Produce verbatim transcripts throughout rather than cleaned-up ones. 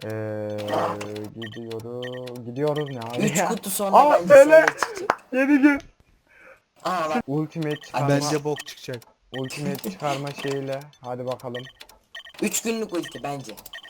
Ee, gidiyoruz. Gidiyoruz ne abi üç ya? kutu sonra Aa bence böyle seviye çıkacak. yedi gün. Aa bak. Ultimate çıkarma. Bence bok çıkacak. Ultimate çıkarma şeyiyle. Hadi bakalım. üç günlük ulti bence.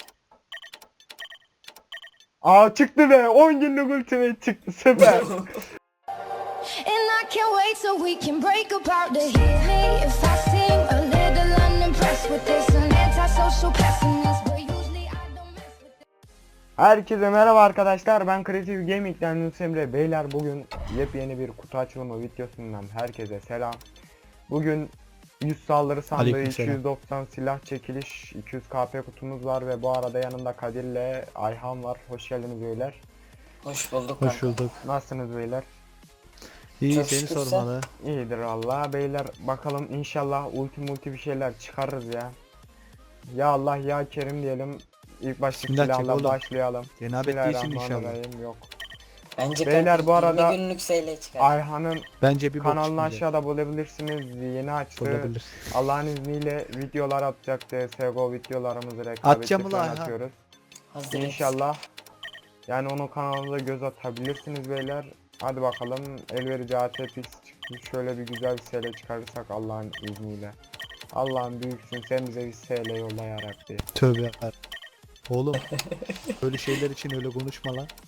Aa çıktı be. on günlük ultimate çıktı. Süper. And I can't wait till we can break apart to hear me if I seem a little unimpressed with this an antisocial pessimist, but usually I don't mess with it. Herkese merhaba arkadaşlar. Ben Creative Gaming'den Yunus Emre. Beyler bugün yepyeni bir kutu açılımı videosundan herkese selam. Bugün yüz saldırı sandığı, Aleykümselam. iki yüz doksan silah çekiliş, iki yüz K P kutumuz var ve bu arada yanımda Kadir'le Ayhan var. Hoş geldiniz beyler. Hoş bulduk Hoş kanka. bulduk. Nasılsınız beyler? İyi Çok seni şükür sormalı. İyidir valla beyler, bakalım inşallah ulti multi bir şeyler çıkarırız ya. Ya Allah ya Kerim diyelim. İlk başta Bismillah çek silahla oğlum. başlayalım. Cenabet değilsin inşallah. Bismillahirrahmanirrahim. Yok. Bence Beyler, kanka bu arada- yirmi günlük seyle çıkar. Ayhan'ın Bence bir bok kanalını çıkmayacak. aşağıda bulabilirsiniz. Yeni açtı. Olabilir. Allah'ın izniyle videolar atacak. C S G O videolarımızı rekabetçi Atacağım ulan falan Ayhan. atıyoruz. Hazır İnşallah. Yani onun kanalına göz atabilirsiniz beyler. Hadi bakalım, elverici A T P X çıktı. Şöyle bir güzel bir S L çıkarırsak Allah'ın izniyle. Allah'ım büyüksün, sen bize bir S L yolla yarabbi. Tövbe yarabbim. Oğlum böyle şeyler için öyle konuşma lan.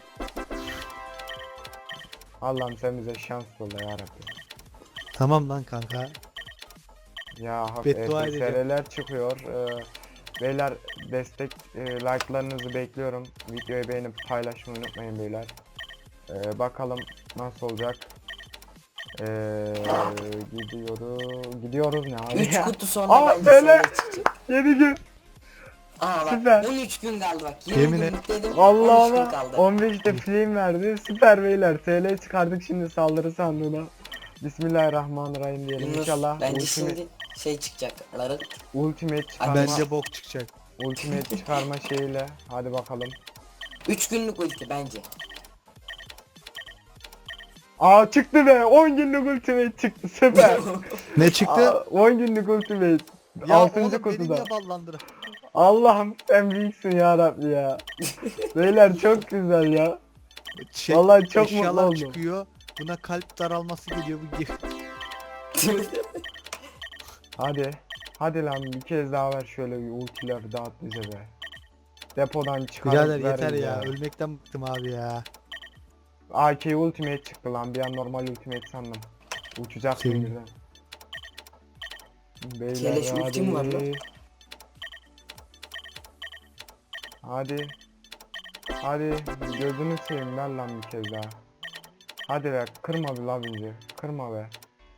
Allah'ım sen bize şans yolla yarabbi. Tamam lan kanka. Ya hak Beddua S L'ler çıkıyor. Ee, beyler destek e, like'larınızı bekliyorum. Videoyu beğenip paylaşmayı unutmayın beyler. Ee, bakalım nasıl olacak. Ee, gidiyoruz. Gidiyoruz ne abi üç ya? kutu sonra Aa, bence böyle- seyle çıkacak. yedi gün. Aa bak Süper. on üç gün kaldı bak. yirmi Yemin günlük dedim. Vallahi on üç gün ama kaldı. on beşte film verdi. Süper beyler. S L çıkardık şimdi saldırı sandığına. Bismillahirrahmanirrahim diyelim. Yunus, İnşallah bence ultimate, şimdi şey çıkacak. Ların. ultimate çıkarma, Bence bok çıkacak. ultimate çıkarma şeyiyle. Hadi bakalım. üç günlük ulti bence. Aa çıktı be. on günlük ultimate çıktı. Süper. Ne çıktı? Aa, on günlük ultimate. Ya altıncı oğlum beni kutuda. niye ballandır? Allah'ım sen büyüksün ya Rabbi ya. Beyler çok güzel ya. Şey, Vallahi çok mutlu eşyalar oldum. çıkıyor. Buna kalp daralması geliyor bu gibi. Hadi. Hadi lan bir kez daha ver şöyle bir ultiler dağıt bize be. Depodan çıkar. Birader yeter ya. Ölmekten bıktım abi ya. A K ultimate çıktı lan. Bir an normal ultimate sandım. Uçacaksın Sevindim. birden. Beyler Keleş ultim var lan. Hadi. Hadi. Gözünü seveyim ver lan bir kez daha. Hadi be, kırma bir la bizi. Kırma be.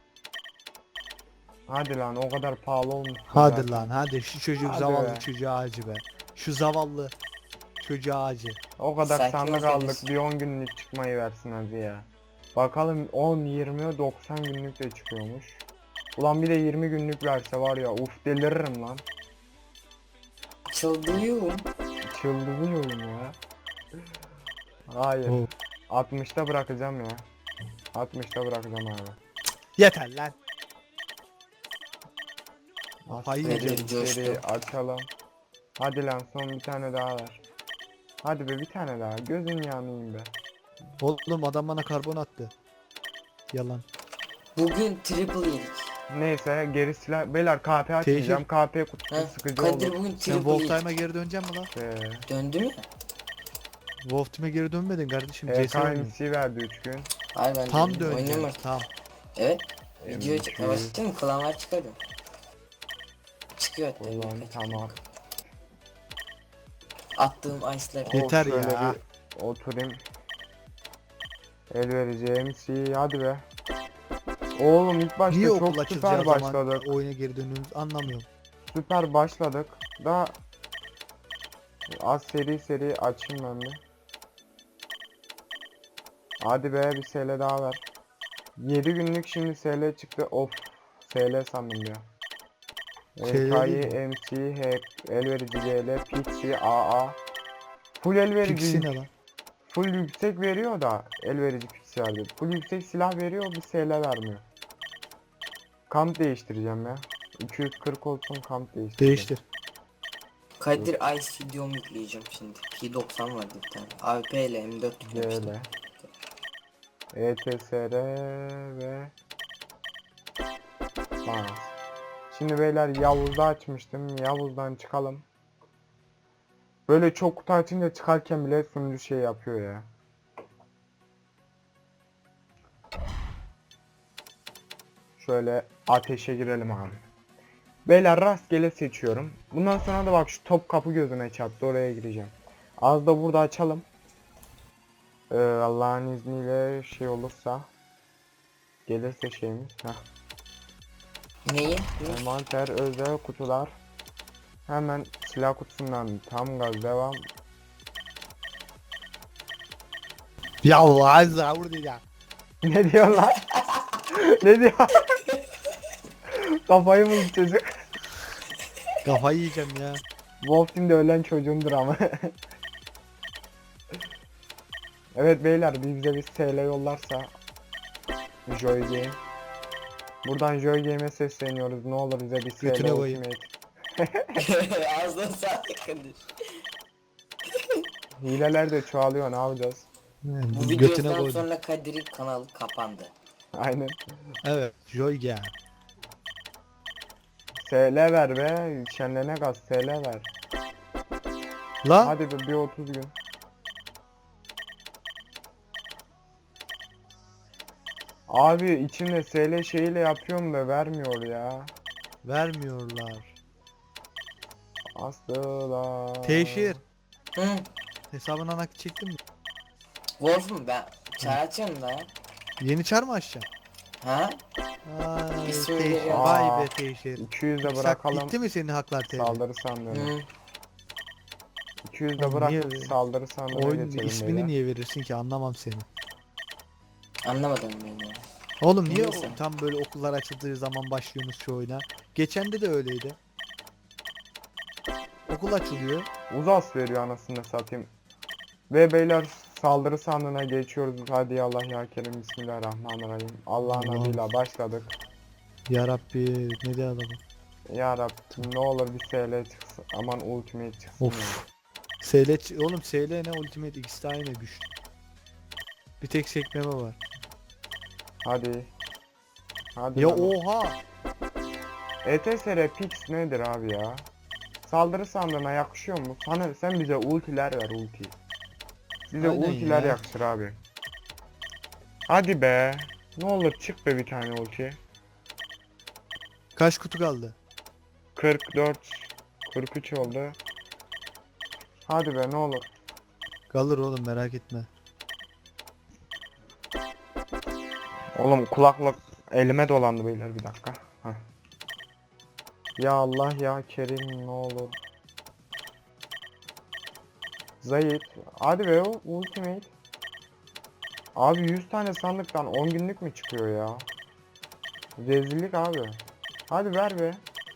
Hadi lan, o kadar pahalı olmuş. Hadi zaten. lan hadi şu çocuk Hadi zavallı be. çocuğa acı be. Şu zavallı çocuğa acı. O kadar Sakin sandık ol aldık, Deniz. bir on günlük çıkmayı versin hadi ya. Bakalım on, yirmi, doksan günlük de çıkıyormuş. Ulan bir de yirmi günlük verse var ya, uf deliririm lan. Çıldırıyorum. Çıldırıyorum ya. Hayır. Oo. altmışta bırakacağım ya. altmışta bırakacağım abi. Yeter lan. Aç Hayır, seri, Nedir, coştu. seri açalım. Hadi lan, son bir tane daha ver. Hadi be, bir tane daha. Gözün yanayım be. Oğlum adam bana karbon attı. Yalan. Bugün triple yedik. Neyse, geri silah. Beyler K P açmayacağım. K P kutusu Ha? sıkıcı Kadir olur. bugün Sen triple Wolf yedik. Time'a geri döneceksin mi lan? Ee, Döndü mü? Wolf Team'e geri dönmedin kardeşim. E C S K oynuyor. M C verdi üç gün. Hayır ben Tam döndüm. Oynuyorum döneceksin. artık. Tam. Evet. Video M C. çıkmaya başladı mı? Klanlar çıkarıyor. Çıkıyor hatta. Ulan birkaç tamam. dakika. Attığım ice'lar. Yeter Oh, şöyle ya. bir oturayım. El vereceğim C, hadi be. Oğlum ilk başta Niye okul çok açılacağı süper zaman başladık. oyuna geri dönüyoruz anlamıyorum. Süper başladık. Daha az seri seri açayım ben bir. Hadi be, bir S L daha ver. yedi günlük şimdi S L çıktı. Of. S L sandım ya. S L K değil mi? M C, Hack, elverici G L, Pixie, A A. Full elverici, Pixie ne lan? full yüksek veriyor da elverici Pixie verdi. Full yüksek silah veriyor, bir S L vermiyor. Kamp değiştireceğim ya. iki yüz kırk olsun, kamp değiştireceğim. Değiştir. Kadir Ice videomu yükleyeceğim şimdi. P doksan vardı bir tane. A W P ile M dört yüklemiştim. Böyle. E T S R ve Bas. Şimdi beyler Yavuz'da açmıştım. Yavuz'dan çıkalım. Böyle çok kutu açınca çıkarken bile sunucu şey yapıyor ya. Şöyle ateşe girelim abi. Beyler rastgele seçiyorum. Bundan sonra da bak şu top kapı gözüme çarptı, oraya gireceğim. Az da burada açalım. Ee, Allah'ın izniyle şey olursa gelirse şeyimiz. Heh. Neyi? Envanter, özel kutular. Hemen silah kutusundan tam gaz devam. Ya Allah zavur ya. Ne diyorlar? Ne diyor? Kafayı mı yedi çocuk? Kafayı yiyeceğim ya. Wolf Team'de ölen çocuğumdur ama. Evet beyler, bir bize bir S L yollarsa Joy Game. Buradan Joy Game'e sesleniyoruz. Ne olur bize bir S L Götüne koyayım. Ultimate. Ağzına sağlık Kadir. Hileler de çoğalıyor, ne yapacağız? Bu Götüne videodan koydum. sonra Kadir'in kanalı kapandı. Aynen. Evet. Joy ya. S L ver be. Şenlene gaz S L ver. La. Hadi bir, bir otuz gün. Abi içinde S L şeyiyle yapıyorum da vermiyor ya. Vermiyorlar. Asla. Teşhir. Hı. Hesabına nakit çektin mi? Wolf'um ben çağıracağım da. Yeni çar mı açacaksın? Ha? Ay İsmi Teşhir. veriyorum. Vay Aa. be Teşhir. iki yüzde Sak- bırakalım. Bitti mi senin haklar T V? Saldırı sandığını. Hı. iki yüzde Oğlum bırakıp niye- saldırı sandığına Oyunun geçelim ismini beyler. niye verirsin ki, anlamam seni. Anlamadım ben ya. Oğlum niye Neyse. o- tam böyle okullar açıldığı zaman başlıyorsunuz şu oyuna? Geçende de öyleydi. Okul açılıyor. Uzas veriyor anasını satayım. Ve beyler saldırı sandığına geçiyoruz. Hadi ya Allah ya Kerim, bismillahirrahmanirrahim. Allah'ın Allah. adıyla başladık. Ya Rabbi ne diyor adamı? Ya Rabbim ne olur bir S L çıksın. Aman ultimate çıksın. Of. ya. S L ç- oğlum S L ne Ultimate, ikisi de aynı güçlü. Bir tek sekmeme var. Hadi. Hadi. Ya lan. oha! E T S R Pix nedir abi ya? Saldırı sandığına yakışıyor mu? Sana, sen bize ultiler ver, ulti. Bize Aynen ultiler ya. yakışır abi. Hadi be. Ne olur çık be bir tane ulti. Kaç kutu kaldı? kırk dört kırk üç oldu. Hadi be ne olur. Kalır oğlum, merak etme. Oğlum kulaklık elime dolandı beyler, bir dakika. Heh. Ya Allah ya Kerim ne olur. Zayıf. Hadi be o ultimate. Abi yüz tane sandıktan on günlük mü çıkıyor ya? Rezillik abi. Hadi ver be.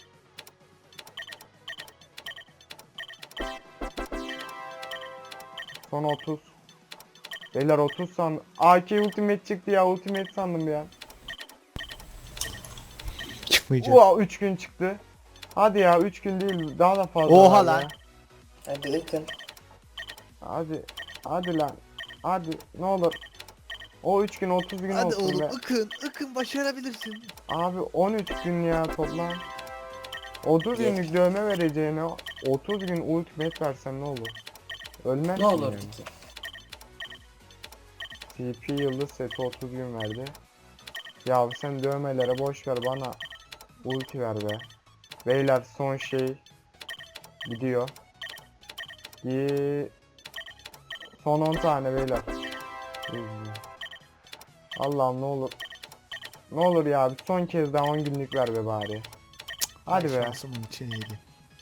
Son otuz. Beyler otuz sandım. A K ultimate çıktı ya, ultimate sandım ya. Çıkmayacak. Oha üç gün çıktı. Hadi ya üç gün değil daha da fazla. Oha var lan. ya. Hadi ıkın. Hadi. Hadi lan. Hadi ne olur. O üç gün otuz gün Hadi olsun oğlum, be. ıkın ıkın başarabilirsin. Abi on üç gün ya toplam. otuz günlük dövme vereceğine otuz gün ultimate versen ne olur? Ölmezsin Ne olurdu yani. ki? T P yıldız seti otuz gün verdi. Ya sen dövmelere boş ver, bana ulti ver be. Beyler son şey gidiyor. Gi- Son on tane beyler. Allah'ım ne olur. Ne olur ya bir son kez daha on günlük ver be bari. Hadi Ay, be. şansımın için iyiydi.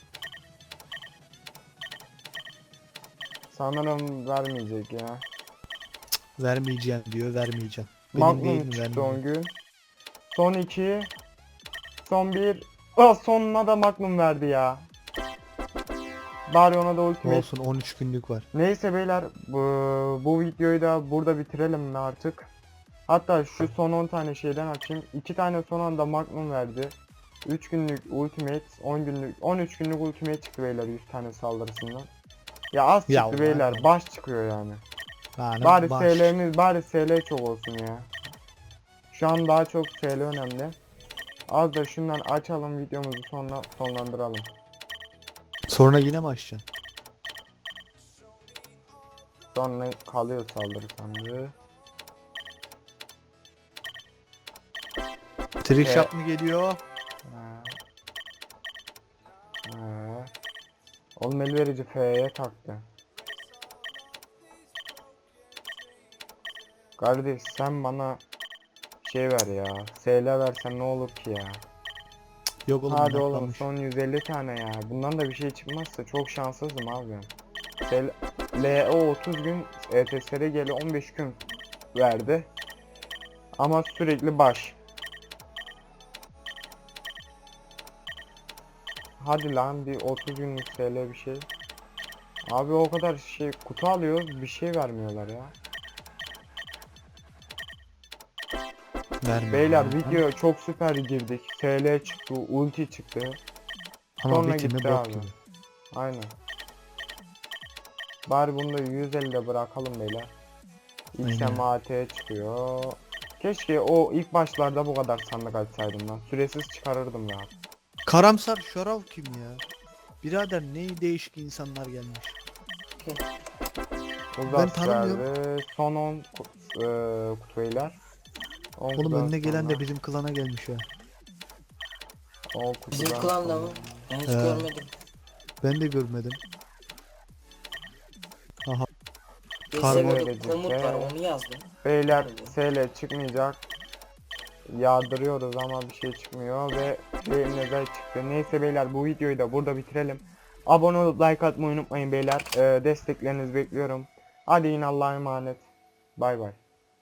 Sanırım vermeyecek ya. Vermeyeceğim diyor, vermeyeceğim. Benim Magnum değil mi, çıktı vermeyeceğim. on gün. Son iki. Son bir. Ah sonuna da Magnum verdi ya. Bari ona da ultimate. Olsun, on üç günlük var. Neyse beyler bu, bu videoyu da burada bitirelim mi artık? Hatta şu son on tane şeyden açayım. iki tane son anda Magnum verdi. üç günlük ultimate, on günlük, on üç günlük ultimate çıktı beyler yüz tane saldırısından. Ya az Ya çıktı ulan. beyler, baş çıkıyor yani. Yani Bari baş. S L'miz, bari S L çok olsun ya. Şu an daha çok S L önemli. Az da şundan açalım, videomuzu sonra sonlandıralım. Sonra yine mi açacaksın? Sonra kalıyor saldırı sandığı. Trick Ee, shot mı geliyor? Ha. Ha. Oğlum el verici F'ye taktı. Kardeş sen bana şey ver ya. S L versen ne olur ki ya. Yok oğlum, Hadi oğlum inatlanmış. son yüz elli tane ya. Bundan da bir şey çıkmazsa çok şanssızım abi. L L O otuz gün, E T S R G'li on beş gün verdi. Ama sürekli baş. Hadi lan bir otuz günlük S L bir şey. Abi o kadar şey kutu alıyoruz, bir şey vermiyorlar ya. Vermiyor Beyler yani. video çok süper girdik. S L çıktı, ulti çıktı. Ama Sonra bitimi gitti bok abi. gibi. Aynen. Bari bunu da yüz ellide bırakalım beyler. X Aynen. M A T çıkıyor. Keşke o ilk başlarda bu kadar sandık açsaydım lan. Süresiz çıkarırdım ya. Karamsar Şarav kim ya? Birader ne değişik insanlar gelmiş. Uzas tanımıyorum. geldi. Son on ku- eee, kutu beyler. on Oğlum kutudan önüne gelen de sonra bizim klana gelmiş ha. on kutudan Bizim klanda mı? sonra- Ben hiç He. görmedim. Ben de görmedim. Aha. C S Kargo G O'da verecek komut be. var, onu yazdım. Beyler Öyle. S L çıkmayacak. Yağdırıyoruz ama bir şey çıkmıyor ve elimizde çıktı. Neyse beyler bu videoyu da burada bitirelim. Abone olup like atmayı unutmayın beyler. Ee, desteklerinizi bekliyorum. Hadi yine Allah'a emanet. Bay bay.